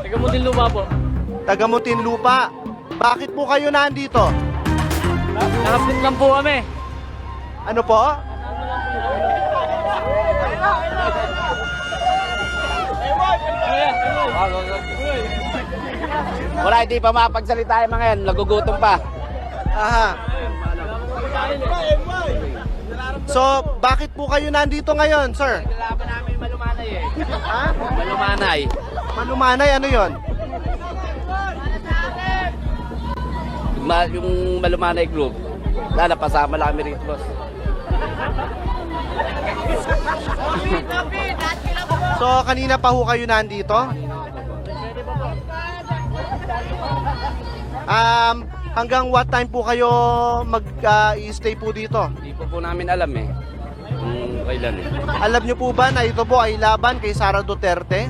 Taga Muntinlupa po. Taga Muntinlupa. Bakit po kayo nandito? Nakapit lang po kami. Ano po? Wala, hindi pa mapagsalita yung mga yan. Nagugutom pa. Aha. So, bakit po kayo nandito ngayon, sir? Kailangan namin malumanay eh. Ha? Malumanay. Malumanay, ano yon? Yung malumanay group. Wala, napasama lang kami rito, boss. So, kanina pa ho kayo nandito? Hanggang what time po kayo mag-stay po dito? Hindi po namin alam eh. Kung kailan eh. Alam nyo po ba na ito po ay laban kay Sara Duterte?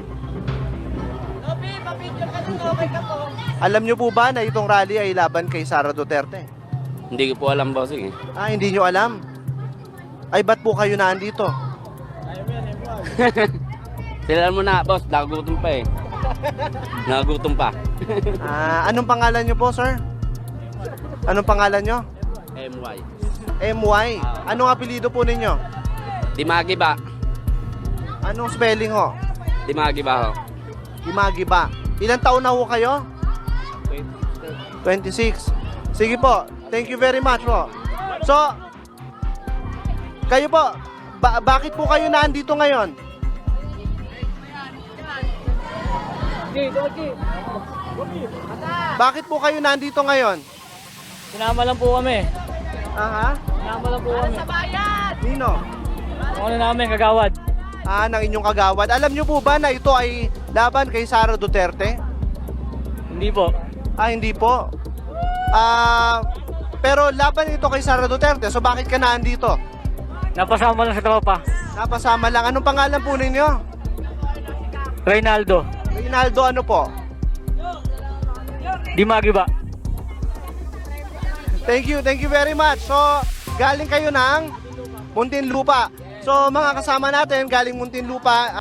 Alam nyo po ba na itong rally ay laban kay Sara Duterte? Hindi ko po alam, bossing eh. Hindi nyo alam? Ay, ba't po kayo nandito? Silalan mo na, boss. Nakagutom pa eh. Nakagutom pa. Anong pangalan nyo po, sir? Anong pangalan nyo? MY. MY. Anong apelido po ninyo? Dimagi ba? Anong spelling ho? Dimagi ba ho? Imagi ba? Ilang taon na ho kayo? 26. Sige po. Thank you very much po. So, kayo po, bakit po kayo nandito ngayon? Bakit po kayo nandito ngayon? Sinama lang po kami. Aha. Sinama lang po kami. Nino? Ano namin, kagawad. Ng inyong kagawad. Alam nyo po ba na ito ay laban kay Sara Duterte? Hindi po. Hindi po. Pero laban ito kay Sara Duterte. So bakit ka nandito? Napasama lang sa tropa. Napasama lang. Anong pangalan po ninyo? Reynaldo. Reynaldo ano po? Dimagi ba? Thank you very much. So, galing kayo ng Muntinlupa. So, mga kasama natin, galing Muntinlupa.